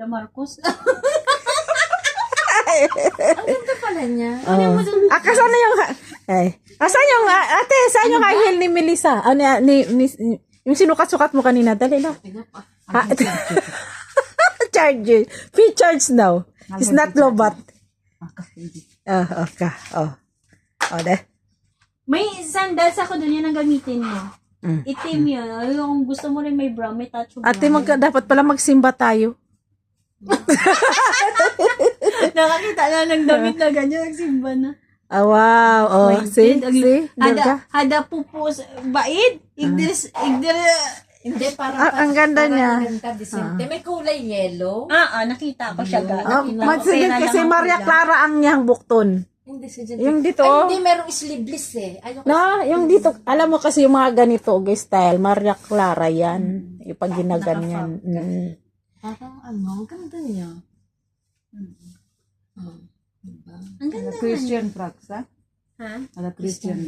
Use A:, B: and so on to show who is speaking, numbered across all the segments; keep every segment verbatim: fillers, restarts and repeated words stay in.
A: The Marcos.
B: Ang ganda pala niya.
C: Oh. Ah, kasana yung, ay, asan yung, ah, ate, saan yung high heel ni Melissa? Ah, ni, ni, ni, yung sinukat-sukat mo kanina, dali na. Ah, charge. Free charge now. It's not lobat. Oh, okay. Oh. Oh, de.
A: May sandals ako doon, yun ang gamitin mo.
C: Mm.
A: Itim yun. Ay, kung gusto mo rin may brown, may touch of brown.
C: Ate, magka, dapat pala magsimba tayo.
A: Nakakita na ng damit na ganyan, nagsimba na.
C: Ah, wow. Oh, see? See?
A: Hada, hada pupus, baid, igdiris, igdiris,
B: Hindi, parang
C: Ah, ang ganda
B: parang
C: niya.
B: ang ganda, disente. May kulay yellow.
A: ah, ah, nakita ko siya ga.
C: Oh,
A: Nakita ko,
C: magsigil
A: pera
C: kasi
A: lang ang
C: Maria
A: kulang.
C: Clara ang niyang bukton.
B: Hindi, si
C: Yung dito,
B: Ay,
C: oh.
B: hindi, merong sleeveless eh. Ayoko.
C: Na, yung dito, alam mo kasi yung mga ganito, guys, style, Maria Clara yan. Yung pag ginaganyan. Mm.
B: Parang ano, ang ganda niya. Oh, diba?
A: Ang ganda nga.
D: Christian frogs, ha?
A: Ha?
D: Ada Christian.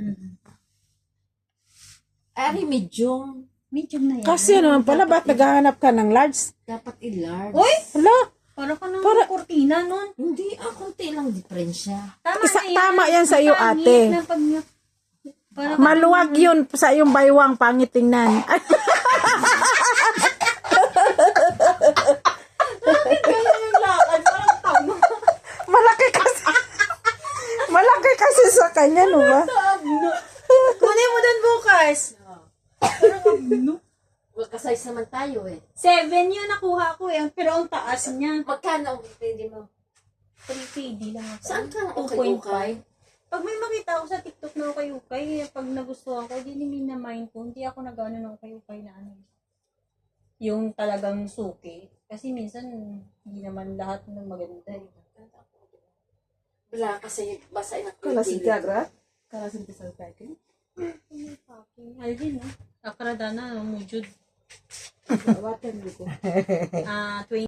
B: Ari, medium.
A: Medium na yan.
C: Kasi naman pala, ba't naghahanap ka ng large?
B: Dapat i-large.
A: Uy!
C: Hala,
A: Para ka ng
C: Para-
A: kurtina nun.
B: Hindi, ah, konti lang diferensya.
A: Tama
C: Isa-
A: na yan.
C: tama yan sa iyo,
A: Pangit
C: ate.
A: na pag niya- Para ka-
C: maluwag yun sa iyong baywang, pangit tingnan. Ay,
A: Kaya yung lakad, parang tama.
C: malaki kasi. Malaki kasi sa kanya, no ba?
A: Kunin mo dun bukas. Parang ano?
B: Magka-size naman tayo eh.
A: Seven yun nakuha ko eh. Pero ang taas niya.
B: Magkano ang hindi mo?
A: three K D lang ako.
B: Saan ka
A: two
B: okay,
A: point
B: okay?
A: five. Pag may makita ako sa TikTok na ukay-ukay, pag nagustuhan ko, di ni na mind ko, hindi ako nag-ano ng ukay-ukay na ano. Yung talagang suki. Kasi minsan, hindi naman lahat ng maganda eh.
B: Wala kasi basa na
D: Kala si Tiagra? Kala si Tisal Packing?
A: Alvin, no? Akradana, mujud.
D: Watan ko.
A: Ah, twenty